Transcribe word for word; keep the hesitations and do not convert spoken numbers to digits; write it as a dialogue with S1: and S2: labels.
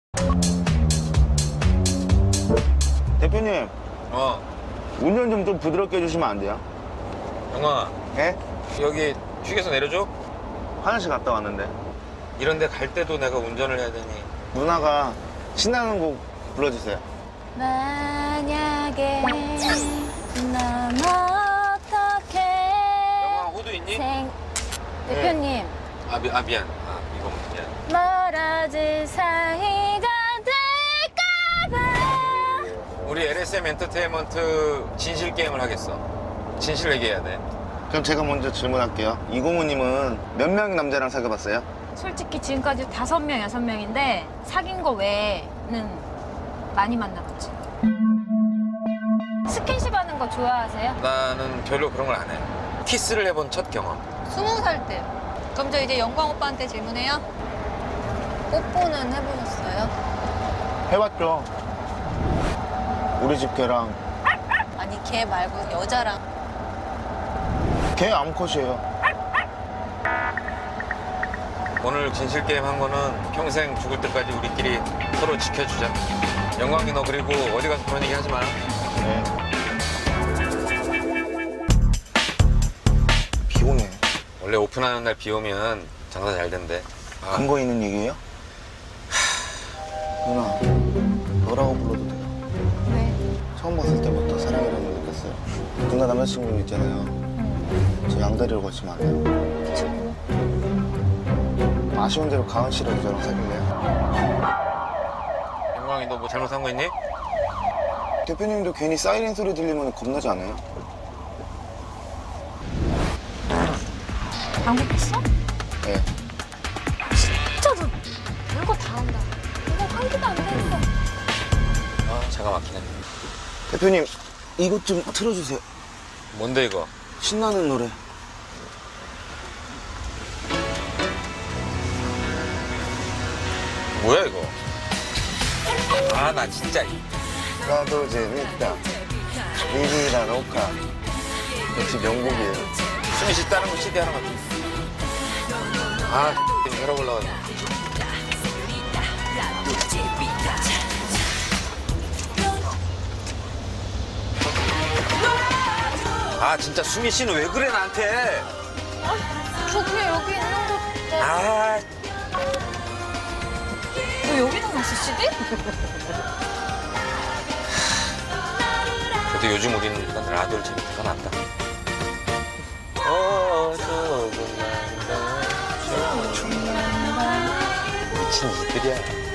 S1: 대표님,
S2: 어,
S1: 운전 좀 좀 부드럽게 해주시면 안 돼요?
S2: 영아,
S1: 예?
S2: 여기 휴게소 내려줘?
S1: 화장실 갔다 왔는데
S2: 이런 데 갈 때도 내가 운전을 해야 되니.
S1: 누나가 신나는 곡 불러주세요.
S3: 만약에 넌 어떻게
S2: 영아, 호두 있니?
S3: 생... 대표님
S2: 아, 미, 아 미안. 아, 이거 미안.
S3: 멀어질 사이가 될까봐.
S2: 우리 엘에스엠 엔터테인먼트 진실 게임을 하겠어. 진실 얘기해야 돼.
S1: 그럼 제가 먼저 질문할게요. 이고모님은 몇 명의 남자랑 사귀어봤어요?
S3: 솔직히 지금까지 다섯 명, 여섯 명인데 사귄 거 외에는 많이 만나봤지. 스킨십 하는 거 좋아하세요?
S2: 나는 별로 그런 걸 안 해. 키스를 해본 첫 경험.
S4: 스무 살 때. 그럼 저 이제 영광 오빠한테 질문해요. 뽀뽀는 해보셨어요?
S1: 해봤죠. 우리 집 개랑
S4: 아니 걔 말고 여자랑.
S1: 개 암컷이에요.
S2: 오늘 진실 게임 한 거는 평생 죽을 때까지 우리끼리 서로 지켜주자. 영광이 너 그리고 어디 가서 그런 얘기 하지 마.
S1: 네. 비 오네.
S2: 원래 오픈하는 날 비 오면 장사 잘 된대. 아,
S1: 근거 있는 얘기예요? 누나, 너라고 불러도 돼요?
S3: 왜?
S1: 처음 봤을 때부터 사랑이라는 걸 느꼈어요. 누나 남자친구 있잖아요. 저 양다리를 거치면 안 돼요? 아쉬운 대로 가은 씨라도 저랑 사귈래요?
S2: 영광이 너 뭐 잘못한 거 있니?
S1: 대표님도 괜히 사이렌 소리 들리면 겁나지 않아요?
S3: 방법했어?
S1: 네.
S3: 진짜 너 별거 다 한다. 이거 한 개도 안 되는 거.
S2: 아, 차가 막히네.
S1: 대표님, 이것 좀 틀어주세요.
S2: 뭔데 이거?
S1: 신나는 노래.
S2: 뭐야 이거? 아, 나 진짜.
S1: 나도 재밌다. 리리라 로카. 역시 명곡이에요.
S2: 숨이 쉽다는 거 씨디 하나 갖고. 아, 혈압 올라가네. 아, 진짜 수미 씨는 왜 그래 나한테?
S3: 저 그냥 여기 있는 거.
S2: 아,
S3: 너 여기 나갔어, 씨디?
S2: 그래도 요즘 우리는 일단 라디오를 재밌게 가 낫다. 어, 조금만 더. 미친 이들이야.